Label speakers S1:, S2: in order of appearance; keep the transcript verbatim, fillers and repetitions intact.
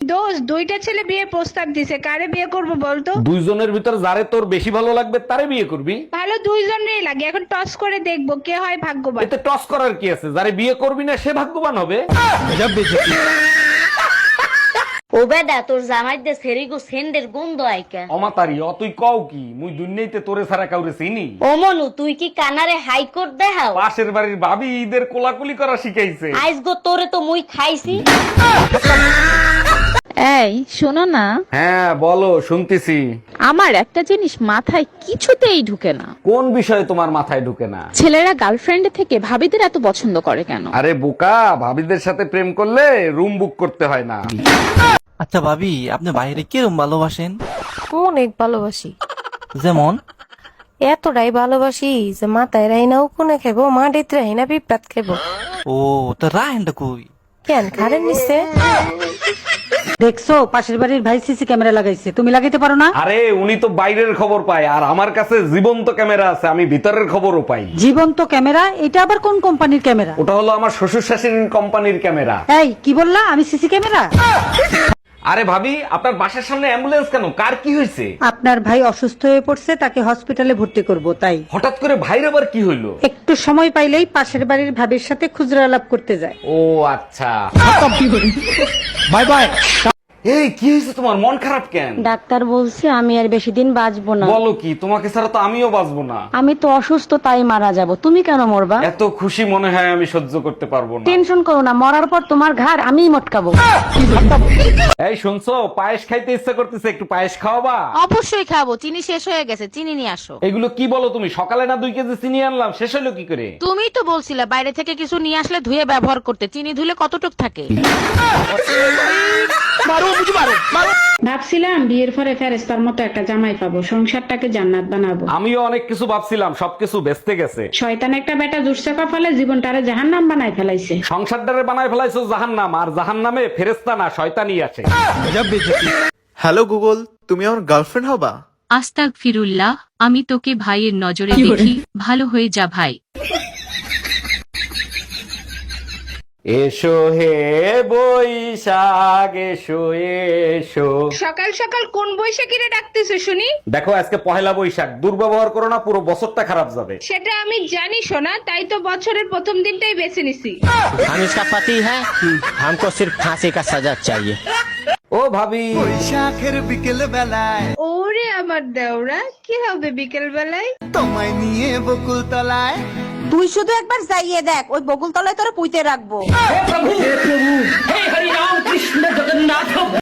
S1: দোস্ত দুইটা ছেলে বিয়ে প্রস্তাব দিছে, কারে বিয়ে করব বলতো?
S2: দুইজনের ভিতর যারে তোর বেশি ভালো লাগবে তারে বিয়ে করবি।
S1: ভালো দুইজনেরই লাগে, এখন টস করে দেখবো কে হয় ভাগ্যবান।
S2: এতে টস করার কি আছে? যারে বিয়ে করবি না সে ভাগ্যবান হবে।
S3: ও বেডা তোর জামাই দে সেরিগো সেন্ডের গন্ধ আইকা।
S2: অমাতারি অ তুই কও কি? মুই দুনিয়াতে তোরে ছাড়া কাউরে চিনি?
S3: ও মনু তুই কি কানারে হাইকোর্ট দেখাও?
S2: পাশের বাড়ির ভাবি ঈদের কোলাকুলি করা শিখাইছে।
S3: আইস গো তোরে তো মুই খাইছি।
S4: এই শোনো না,
S2: হ্যাঁ বলো, শুনতেছি।
S4: আমার একটা জিনিস মাথায় কিছুতেই ঢুকে না।
S2: কোন বিষয় তোমার মাথায় ঢুকে না?
S4: ছেলেরা গার্লফ্রেন্ড থেকে ভাবিদের এত পছন্দ করে কেন?
S2: আরে বোকা, ভাবিদের সাথে প্রেম করলে রুম বুক করতে হয় না।
S5: আচ্ছা ভাবি, আপনি বাইরে কিরম ভালোবাসেন?
S6: অনেক ভালোবাসি,
S5: যেমন
S6: এতটাই ভালোবাসি যে মাথায় রাইনা উকুনে খেবো, মাটিতে রাইনা পিঁপড়াত খেবো।
S5: ও তো রাহেনটা কই?
S6: কেন খারেন নিচ্ছে?
S7: দেখছো পাশের বাড়ির ভাই সিসি ক্যামেরা লাগাইছে, তুমি লাগাইতে পারো না?
S2: আরে উনি তো বাইরের খবর পায়, আর আমার কাছে জীবন্ত ক্যামেরা আছে, আমি ভিতরের খবরও পাই।
S7: জীবন্ত ক্যামেরা? এটা আবার কোন কোম্পানির ক্যামেরা?
S2: ওটা হলো আমার শ্বশুর শাশুড়ির কোম্পানির ক্যামেরা।
S7: এই কি বললা? আমি সিসি ক্যামেরা?
S2: আরে ভাবি, আপনার বাসার সামনে অ্যাম্বুলেন্স কেন? কার কি হয়েছে?
S7: আপনার ভাই অসুস্থ হয়ে পড়ছে, তাকে হসপিটালে ভর্তি করব তাই।
S2: হঠাৎ করে ভাইর আবার কি হইলো?
S7: একটু সময় পাইলেই পাশের বাড়ির ভাবির সাথে খুচরা আলাপ করতে যায়।
S2: ও আচ্ছা। Bye bye. এই কি হয়েছে তোমার? মন খারাপ কেন?
S3: ডাক্তার বলছে আমি আর বেশি দিন বাঁচবো না।
S2: বলো কি? তোমাকে ছাড়া তো আমিও বাঁচবো না।
S3: আমি তো অসুস্থ তাই মারা যাব, তুমি কেন মরবা?
S2: এত খুশি মনে হয় আমি সহ্য করতে পারবো না।
S3: টেনশন করো না, মরার পর তোমার ঘাড় আমিই মটকাবো।
S2: এই শুনছো, পায়েস খাইতে ইচ্ছা করতেছে, একটু পায়েস খাওয়াবা?
S4: অবশ্যই খাবো, চিনি শেষ হয়ে গেছে, চিনি নিয়ে আসো।
S2: এগুলো কি বলো তুমি? সকালে না দুই কেজি চিনি আনলাম, শেষ হলো কি করে?
S4: তুমি তো বলছিলে বাইরে থেকে কিছু নিয়ে আসলে ধুয়ে ব্যবহার করতে, চিনি ধুলে কতটুক থাকে?
S1: ভাবছিলাম বিয়ের পরে ফেরেস্তার মতো একটা জামাই পাবো, সংসারটাকে জান্নাত বানাবো।
S2: আমিও অনেক কিছু ভাবছিলাম, সবকিছু বেচতে গেছে।
S1: শয়তান একটা বেটা জুটছে কপালে, জীবনটারে জাহান্নাম বানাই ফেলাইছে।
S2: সংসারটারে বানায় ফেলাইছো জাহান্নাম, আর জাহান্নামে ফেরেস্তা না শয়তানি আছে।
S8: হ্যালো গুগল, তুমি আমার গার্লফ্রেন্ড হবা?
S9: আস্তাগফিরুল্লাহ, আমি তোকে ভাইয়ের নজরে দেখি, ভালো হয়ে যা ভাই।
S2: এসো হে বৈশাখ এসো এসো।
S1: সকাল সকাল কোন বৈশাখীরে ডাকতেছো শুনি?
S2: দেখো আজকে পহেলা বৈশাখ, দুর্ব্যবহার করো না, পুরো বছরটা খারাপ যাবে।
S1: সেটা আমি জানি সোনা, তাই তো বছরের প্রথম দিনটাই বেছে নিছি।
S10: हम इसका पति है, हमको सिर्फ फांसी का सजा चाहिए।
S2: ও ভাবি,
S8: বৈশাখের বিকেল বেলায়
S1: ওরে আমার দেওরা, কি হবে বিকেল বেলায়?
S8: তোমায় নিয়ে বকুল তলায়।
S6: তুই শুধু একবার যাইয়ে দেখ, ওই বকুল তলায় তোরা পুঁতে রাখবো।